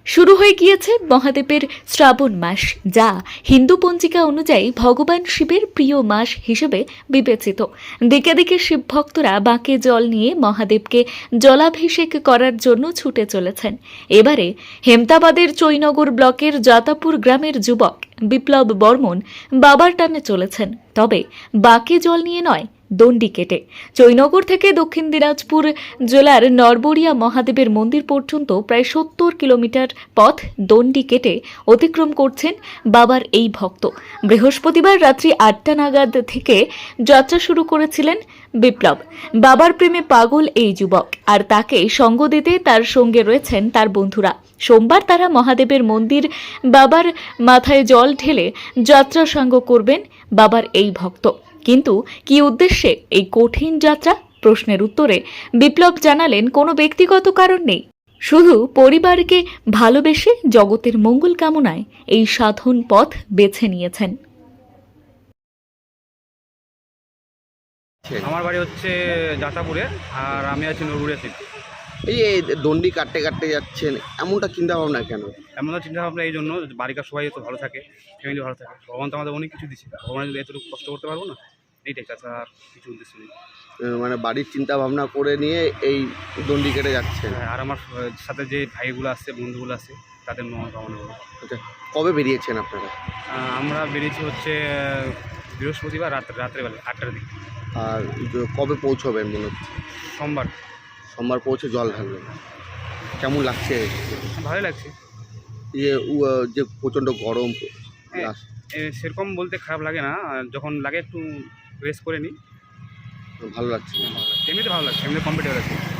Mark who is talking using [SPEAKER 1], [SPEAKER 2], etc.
[SPEAKER 1] শুরু হয়ে গিয়েছে মহাদেবের শ্রাবণ মাস, যা হিন্দু পঞ্জিকা অনুযায়ী ভগবান শিবের প্রিয় মাস হিসেবে বিবেচিত। দিকে দিকে শিব ভক্তরা বাঁকে জল নিয়ে মহাদেবকে জলাভিষেক করার জন্য ছুটে চলেছেন। এবারে হেমতাবাদের চৈনগর ব্লকের জাতাপুর গ্রামের যুবক বিপ্লব বর্মন বাবার টানে চলেছেন, তবে বাঁকে জল নিয়ে নয়, দণ্ডি কেটে। চৈনগর থেকে দক্ষিণ দিনাজপুর জেলার নরবরিয়া মহাদেবের মন্দির পর্যন্ত প্রায় ৭০ কিলোমিটার পথ দণ্ডি কেটে অতিক্রম করছেন বাবার এই ভক্ত। বৃহস্পতিবার রাত্রি ৮টা নাগাদ থেকে যাত্রা শুরু করেছিলেন বিপ্লব। বাবার প্রেমে পাগল এই যুবক, আর তাকে সঙ্গ দিতে তার সঙ্গে রয়েছেন তার বন্ধুরা। সোমবার তারা মহাদেবের মন্দির বাবার মাথায় জল ঢেলে যাত্রা সাঙ্গ করবেন বাবার এই ভক্ত। কিন্তু কি উদ্দেশ্যে এই কঠিন যাত্রা? প্রশ্নের উত্তরে বিপ্লব জানালেন, কোনো ব্যক্তিগত কারণ নেই, শুধু পরিবারকে ভালোবেসে জগতের মঙ্গল কামনায় এই সাধন পথ বেছে নিয়েছেন।
[SPEAKER 2] আমার বাড়ি হচ্ছে যাতাপুরে, আর আমি আছি নরবুড়িয়া সিটি।
[SPEAKER 3] এই যে দণ্ডি কাটতে কাটতে যাচ্ছেন, এমনটা চিন্তা ভাবনা কেন?
[SPEAKER 2] এমন চিন্তা ভাবনা এই জন্য, বাড়িকার সবাই তো ভালো থাকে, ফ্যামিলি ভালো থাকে। ভগবান তো আমাদের অনেক কিছু দিচ্ছে, ভগবান যদি এতটুকু কষ্ট করতে পারবো না, এইটাই, তাছাড়া আর কিছু উদ্দেশ্য নেই।
[SPEAKER 3] মানে বাড়ির চিন্তা ভাবনা করে নিয়ে এই দণ্ডি কেটে যাচ্ছেন।
[SPEAKER 2] হ্যাঁ, আর আমার সাথে যে ভাইগুলো আছে, বন্ধুগুলো আছে, তাদের মঙ্গল কামনা করবো।
[SPEAKER 3] আচ্ছা, কবে বেরিয়েছেন আপনারা?
[SPEAKER 2] আমরা বেরিয়েছি হচ্ছে বৃহস্পতিবার রাত্রেবেলা 8টার দিকে।
[SPEAKER 3] আর কবে পৌঁছবেন মনে হচ্ছে?
[SPEAKER 2] সোমবার।
[SPEAKER 3] সোমবার পৌঁছে জল ঢালবেন। কেমন লাগছে?
[SPEAKER 2] ভালোই লাগছে।
[SPEAKER 3] যে প্রচণ্ড গরম
[SPEAKER 2] হ্যাঁ, সেরকম বলতে খারাপ লাগে না, যখন লাগে একটু রেস্ট করে নিই।
[SPEAKER 3] ভালো লাগছে।
[SPEAKER 2] এমনিতে ভালো লাগছে, এমনিতে কমফর্টেবল আছে।